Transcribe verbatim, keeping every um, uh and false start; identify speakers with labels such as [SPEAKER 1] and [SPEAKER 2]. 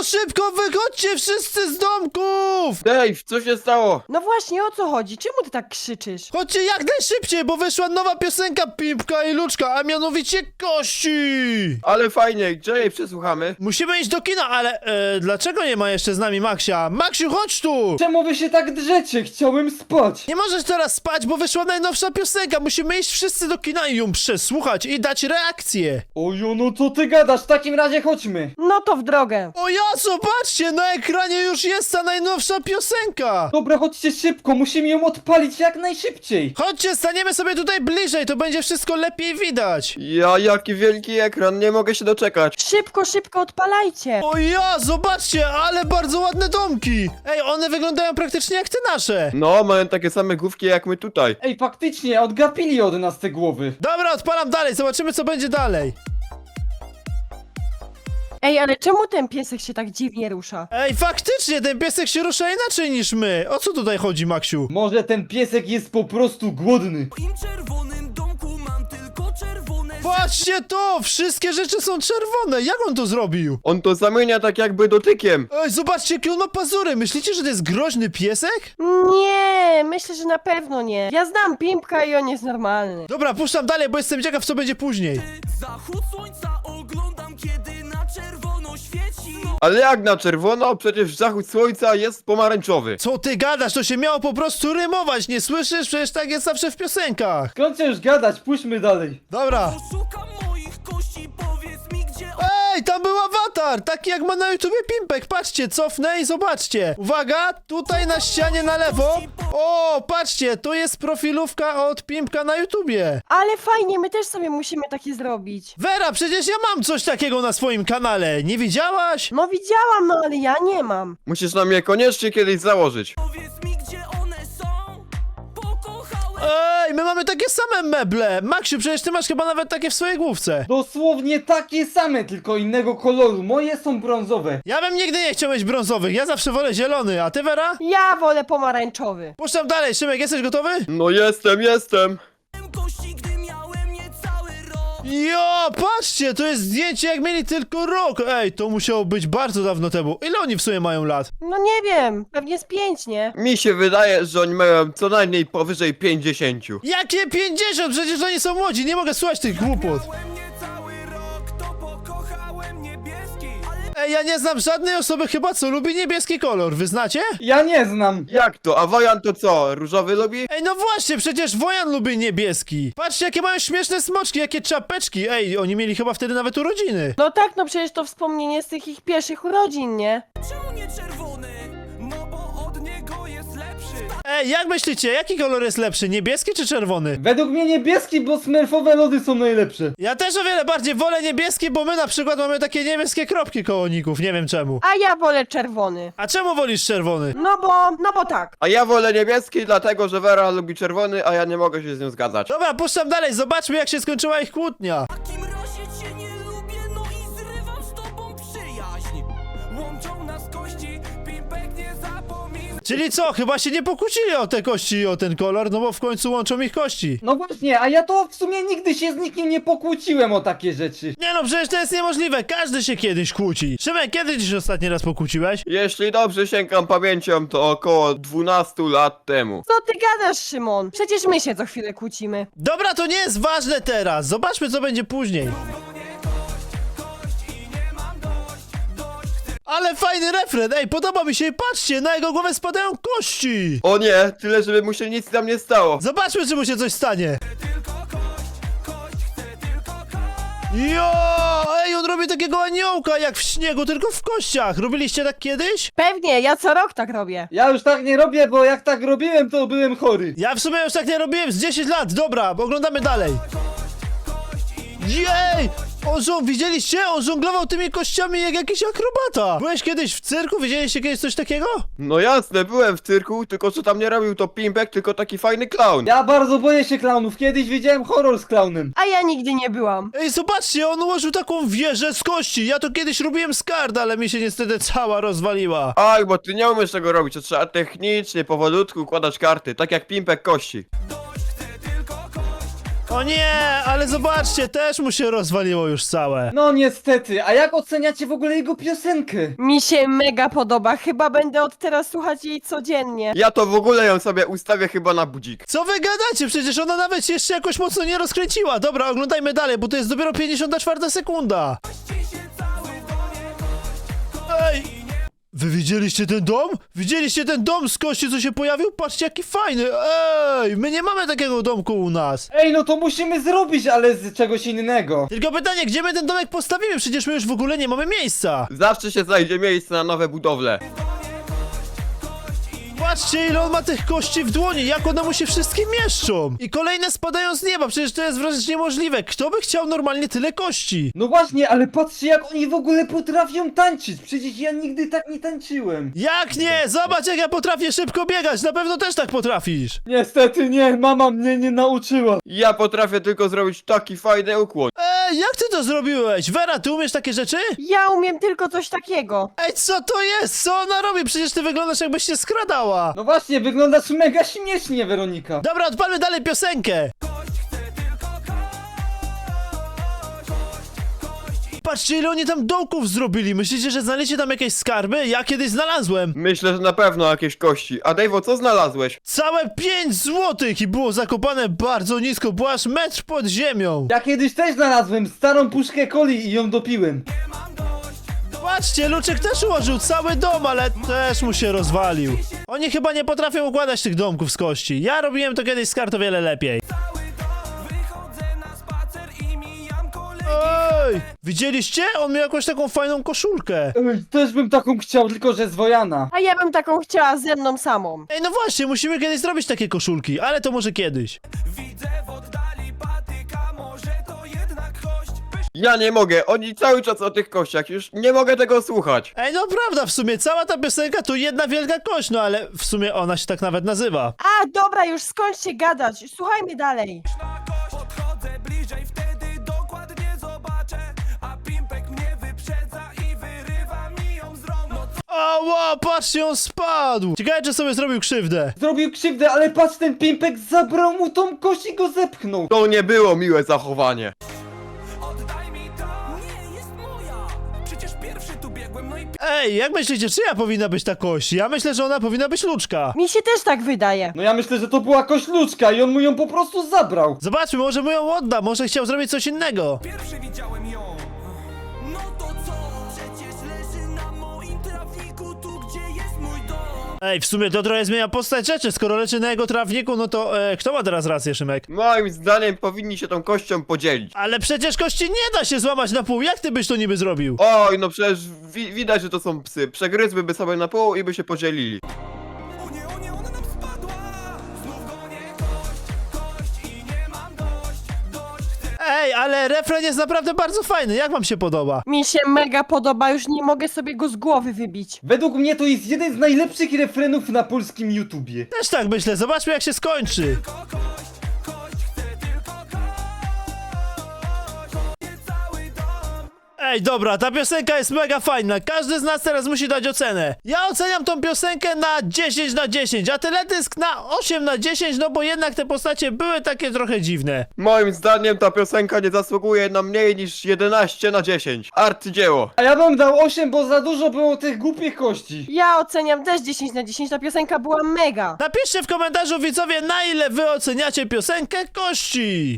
[SPEAKER 1] No szybko, wychodźcie wszyscy z domków!
[SPEAKER 2] Dave, co się stało?
[SPEAKER 3] No właśnie, o co chodzi? Czemu ty tak krzyczysz?
[SPEAKER 1] Chodźcie jak najszybciej, bo wyszła nowa piosenka Pimpka i Luczka, a mianowicie Kości!
[SPEAKER 2] Ale fajnie, gdzie jej przesłuchamy?
[SPEAKER 1] Musimy iść do kina, ale e, dlaczego nie ma jeszcze z nami Maksia? Maksiu, chodź tu!
[SPEAKER 4] Czemu wy się tak drzecie? Chciałem spać.
[SPEAKER 1] Nie możesz teraz spać, bo wyszła najnowsza piosenka. Musimy iść wszyscy do kina i ją przesłuchać i dać reakcję.
[SPEAKER 4] Ojo, no co ty gadasz? W takim razie chodźmy.
[SPEAKER 3] No to w drogę.
[SPEAKER 1] O ja, zobaczcie, na ekranie już jest ta najnowsza piosenka.
[SPEAKER 4] Dobra, chodźcie szybko, musimy ją odpalić jak najszybciej.
[SPEAKER 1] Chodźcie, staniemy sobie tutaj bliżej, to będzie wszystko lepiej widać.
[SPEAKER 2] Ja, jaki wielki ekran, nie mogę się doczekać.
[SPEAKER 3] Szybko, szybko odpalajcie.
[SPEAKER 1] O ja, zobaczcie, ale bardzo ładne domki. Ej, one wyglądają praktycznie jak te nasze.
[SPEAKER 2] No, mają takie same główki jak my tutaj.
[SPEAKER 4] Ej, faktycznie, odgapili od nas te głowy.
[SPEAKER 1] Dobra, odpalam dalej, zobaczymy co będzie dalej.
[SPEAKER 3] Ej, ale czemu ten piesek się tak dziwnie rusza?
[SPEAKER 1] Ej, faktycznie, ten piesek się rusza inaczej niż my. O co tutaj chodzi, Maksiu?
[SPEAKER 4] Może ten piesek jest po prostu głodny.
[SPEAKER 5] W moim czerwonym domku mam tylko czerwone
[SPEAKER 1] Patrzcie to, wszystkie rzeczy są czerwone. Jak on to zrobił?
[SPEAKER 2] On to zamienia tak jakby dotykiem.
[SPEAKER 1] Ej, zobaczcie, jakie on ma pazury. Myślicie, że to jest groźny piesek?
[SPEAKER 3] Nie, myślę, że na pewno nie. Ja znam Pimpka i on jest normalny.
[SPEAKER 1] Dobra, puszczam dalej, bo jestem ciekaw, co będzie później.
[SPEAKER 5] Zachód słońca oglądam, kiedy na czerwono świeci.
[SPEAKER 2] Ale jak na czerwono? Przecież zachód słońca jest pomarańczowy.
[SPEAKER 1] Co ty gadasz? To się miało po prostu rymować, nie słyszysz? Przecież tak jest zawsze w piosenkach.
[SPEAKER 4] Kończę już gadać, pójdźmy dalej.
[SPEAKER 1] Dobra.
[SPEAKER 5] Poszukam moich kości, powiedz mi gdzie on...
[SPEAKER 1] Ej, tam był awatar, taki jak ma na YouTubie Pimpek. Patrzcie, cofnę i zobaczcie. Uwaga, tutaj na ścianie na lewo. O, patrzcie, tu jest profilówka od Pimpka na YouTubie.
[SPEAKER 3] Ale fajnie, my też sobie musimy takie zrobić.
[SPEAKER 1] Vera, przecież ja mam coś takiego na swoim kanale. Nie widziałaś?
[SPEAKER 3] No widziałam, no ale ja nie mam.
[SPEAKER 2] Musisz nam je koniecznie kiedyś założyć.
[SPEAKER 5] Powiedz mi gdzie one są. Pokochałem...
[SPEAKER 1] Ej, my mamy takie same meble. Maksiu, przecież ty masz chyba nawet takie w swojej główce.
[SPEAKER 4] Dosłownie takie same, tylko innego koloru. Moje są brązowe.
[SPEAKER 1] Ja bym nigdy nie chciał mieć brązowych, ja zawsze wolę zielony, a ty, Vera?
[SPEAKER 3] Ja wolę pomarańczowy.
[SPEAKER 1] Puszczam dalej, Szymek, jesteś gotowy?
[SPEAKER 2] No jestem, jestem.
[SPEAKER 5] kości, gdy miałem niecały rok.
[SPEAKER 1] Jo, patrzcie, to jest zdjęcie jak mieli tylko rok. Ej, to musiało być bardzo dawno temu. Ile oni w sumie mają lat?
[SPEAKER 3] No nie wiem, pewnie z pięć, nie?
[SPEAKER 2] Mi się wydaje, że oni mają co najmniej powyżej pięćdziesięciu.
[SPEAKER 1] Jakie pięćdziesiąt? Przecież oni są młodzi, nie mogę słuchać tych głupot.
[SPEAKER 5] Miałem niecały rok, to pokochałem niebieski. Ale
[SPEAKER 1] Ej, ja nie znam żadnej osoby chyba, co lubi niebieski kolor, wy znacie?
[SPEAKER 4] Ja nie znam.
[SPEAKER 2] Jak to? A Wojan to co? Różowy lubi?
[SPEAKER 1] Ej, no właśnie, przecież Wojan lubi niebieski. Patrzcie, jakie mają śmieszne smoczki, jakie czapeczki. Ej, oni mieli chyba wtedy nawet urodziny.
[SPEAKER 3] No tak, no przecież to wspomnienie z tych ich pierwszych urodzin, nie?
[SPEAKER 5] czemu nie czerwony? No bo od niego jest lepszy.
[SPEAKER 1] Ej, jak myślicie, jaki kolor jest lepszy, niebieski czy czerwony?
[SPEAKER 4] Według mnie niebieski, bo smerfowe lody są najlepsze.
[SPEAKER 1] Ja też o wiele bardziej wolę niebieski, bo my na przykład mamy takie niebieskie kropki koło ników, nie wiem czemu.
[SPEAKER 3] A ja wolę czerwony.
[SPEAKER 1] A czemu wolisz czerwony?
[SPEAKER 3] No bo, no bo tak.
[SPEAKER 2] A ja wolę niebieski, dlatego że Vera lubi czerwony, a ja nie mogę się z nią zgadzać.
[SPEAKER 1] Dobra, puszczam dalej, zobaczmy jak się skończyła ich kłótnia.
[SPEAKER 5] W takim razie cię nie lubię, no i zrywam z tobą przyjaźń. Łączą nas kości, Pimpek nie zapomina.
[SPEAKER 1] Czyli co, chyba się nie pokłócili o te kości i o ten kolor, no bo w końcu łączą ich kości.
[SPEAKER 4] No właśnie, a ja to w sumie nigdy się z nikim nie pokłóciłem o takie rzeczy.
[SPEAKER 1] Nie no, przecież to jest niemożliwe, każdy się kiedyś kłóci. Szymek, kiedy ci się ostatni raz pokłóciłeś?
[SPEAKER 2] Jeśli dobrze sięgam pamięcią, to około dwunastu lat temu.
[SPEAKER 3] Co ty gadasz, Szymon? Przecież my się co chwilę kłócimy.
[SPEAKER 1] Dobra, to nie jest ważne teraz, zobaczmy co będzie później. Ale fajny refren, ej, podoba mi się i patrzcie, na jego głowę spadają kości.
[SPEAKER 2] O nie, tyle żeby mu się nic tam nie stało.
[SPEAKER 1] Zobaczmy, czy mu się coś stanie. Jo, ej, on robi takiego aniołka jak w śniegu, tylko w kościach. Robiliście tak kiedyś?
[SPEAKER 3] Pewnie, ja co rok tak robię.
[SPEAKER 4] Ja już tak nie robię, bo jak tak robiłem, to byłem chory.
[SPEAKER 1] Ja w sumie już tak nie robiłem z dziesięć lat, dobra, bo oglądamy dalej. Jej! On żong... Widzieliście? On żonglował tymi kościami jak jakiś akrobata. Byłeś kiedyś w cyrku? Widzieliście kiedyś coś takiego?
[SPEAKER 2] No jasne, byłem w cyrku, tylko co tam nie robił to Pimpek, tylko taki fajny clown.
[SPEAKER 4] Ja bardzo boję się klaunów. Kiedyś widziałem horror z klaunem.
[SPEAKER 3] A ja nigdy nie byłam.
[SPEAKER 1] Ej, zobaczcie, on ułożył taką wieżę z kości. Ja to kiedyś robiłem z kart, ale mi się niestety cała rozwaliła.
[SPEAKER 2] Aj, bo ty nie umiesz tego robić, to trzeba technicznie, powolutku układać karty, tak jak Pimpek kości.
[SPEAKER 1] O nie, ale zobaczcie, też mu się rozwaliło już całe.
[SPEAKER 4] No niestety, a jak oceniacie w ogóle jego piosenkę?
[SPEAKER 3] Mi się mega podoba, chyba będę od teraz słuchać jej codziennie.
[SPEAKER 2] Ja to w ogóle ją sobie ustawię chyba na budzik.
[SPEAKER 1] Co wy gadacie? Przecież ona nawet się jeszcze jakoś mocno nie rozkręciła. Dobra, oglądajmy dalej, bo to jest dopiero pięćdziesiąta czwarta sekunda. Ej! Wy widzieliście ten dom? Widzieliście ten dom z kości, co się pojawił? Patrzcie, jaki fajny! Ej! My nie mamy takiego domku u nas.
[SPEAKER 4] Ej, no to musimy zrobić, ale z czegoś innego.
[SPEAKER 1] Tylko pytanie, gdzie my ten domek postawimy? Przecież my już w ogóle nie mamy miejsca.
[SPEAKER 2] Zawsze się znajdzie miejsce na nowe budowle.
[SPEAKER 1] Patrzcie, ile on ma tych kości w dłoni, jak one mu się wszystkie mieszczą. I kolejne spadają z nieba, przecież to jest wręcz niemożliwe. Kto by chciał normalnie tyle kości?
[SPEAKER 4] No właśnie, ale patrzcie jak oni w ogóle potrafią tańczyć. Przecież ja nigdy tak nie tańczyłem.
[SPEAKER 1] Jak nie? Zobacz, jak ja potrafię szybko biegać, na pewno też tak potrafisz.
[SPEAKER 4] Niestety nie, mama mnie nie nauczyła.
[SPEAKER 2] Ja potrafię tylko zrobić taki fajny ukłon.
[SPEAKER 1] Ej, jak ty to zrobiłeś? Vera, ty umiesz takie rzeczy?
[SPEAKER 3] Ja umiem tylko coś takiego.
[SPEAKER 1] Ej, co to jest? Co ona robi? Przecież ty wyglądasz, jakbyś się skradała.
[SPEAKER 4] No właśnie, wyglądasz mega śmiesznie, Weronika.
[SPEAKER 1] Dobra, odpalmy dalej piosenkę. Patrzcie, ile oni tam dołków zrobili. Myślicie, że znaleźliście tam jakieś skarby? Ja kiedyś znalazłem.
[SPEAKER 2] Myślę, że na pewno jakieś kości. A Dave'o, co znalazłeś?
[SPEAKER 1] Całe pięć złotych i było zakopane bardzo nisko, było aż metr pod ziemią.
[SPEAKER 4] Ja kiedyś też znalazłem starą puszkę coli i ją dopiłem.
[SPEAKER 1] Patrzcie, Luczek też ułożył cały dom, ale też mu się rozwalił. Oni chyba nie potrafią układać tych domków z kości. Ja robiłem to kiedyś z kart o wiele lepiej.
[SPEAKER 5] Wychodzę na spacer i mijam kolegi.
[SPEAKER 1] Ej! Widzieliście? On miał jakąś taką fajną koszulkę.
[SPEAKER 4] Ej, też bym taką chciał, tylko że z Wojana.
[SPEAKER 3] A ja bym taką chciała ze mną samą.
[SPEAKER 1] Ej, no właśnie, musimy kiedyś zrobić takie koszulki, ale to może kiedyś.
[SPEAKER 5] Widzę w oddali patyka, może to jednak kość.
[SPEAKER 2] Ja nie mogę, oni cały czas o tych kościach, już nie mogę tego słuchać.
[SPEAKER 1] Ej, no prawda, w sumie cała ta piosenka to jedna wielka kość, no ale w sumie ona się tak nawet nazywa.
[SPEAKER 3] A, dobra, już skończcie gadać. Słuchajmy dalej.
[SPEAKER 5] Na kość podchodzę bliżej, wtedy dokładnie zobaczę. A Pimpek mnie wyprzedza i wyrywa mi ją z rąk. No co
[SPEAKER 1] Ała, patrzcie, on spadł. Ciekawe, czy sobie zrobił krzywdę.
[SPEAKER 4] Zrobił krzywdę, ale patrz, ten Pimpek zabrał mu tą kość i go zepchnął.
[SPEAKER 2] To nie było miłe zachowanie.
[SPEAKER 5] oddaj mi to? Nie, jest moja. Przecież pierwszy tu biegłem, no i
[SPEAKER 1] Ej, jak myślicie, czyja powinna być ta kość? Ja myślę, że ona powinna być Luczka.
[SPEAKER 3] Mi się też tak wydaje.
[SPEAKER 4] No ja myślę, że to była kość ludzka i on mu ją po prostu zabrał.
[SPEAKER 1] Zobaczmy, może mu ją odda, może chciał zrobić coś innego.
[SPEAKER 5] pierwszy widziałem ją. No to co? Przecież leży na moim trawniku, tu gdzie jest mój dom.
[SPEAKER 1] Ej, w sumie to trochę zmienia postać rzeczy, skoro leczy na jego trawniku, no to e, kto ma teraz rację, Szymek?
[SPEAKER 2] Moim zdaniem powinni się tą kością podzielić.
[SPEAKER 1] Ale przecież kości nie da się złamać na pół, jak ty byś to niby zrobił?
[SPEAKER 2] Oj, no przecież wi widać, że to są psy. Przegryzłyby sobie na pół i by się podzielili.
[SPEAKER 5] O nie, o nie, ona nam spadła. Znów gonię kość, kość i nie mam dość, dość. Chcę
[SPEAKER 1] Ej, ale refren jest naprawdę bardzo fajny, jak wam się podoba?
[SPEAKER 3] Mi się mega podoba, już nie mogę sobie go z głowy wybić.
[SPEAKER 4] Według mnie to jest jeden z najlepszych refrenów na polskim YouTubie.
[SPEAKER 1] Też tak myślę, zobaczmy jak się skończy.
[SPEAKER 5] tylko kość, kość, chcę tylko kość. Nie cały dom.
[SPEAKER 1] Ej, dobra, ta piosenka jest mega fajna, każdy z nas teraz musi dać ocenę. Ja oceniam tą piosenkę na dziesięć na dziesięć, a teledysk na osiem na dziesięć, no bo jednak te postacie były takie trochę dziwne.
[SPEAKER 2] Moim zdaniem ta piosenka nie zasługuje na mniej niż jedenaście na dziesięć. Arcydzieło.
[SPEAKER 4] A ja bym dał osiem, bo za dużo było tych głupich kości.
[SPEAKER 3] Ja oceniam też dziesięć na dziesięć, ta piosenka była mega.
[SPEAKER 1] Napiszcie w komentarzu, widzowie, na ile wy oceniacie piosenkę Kości.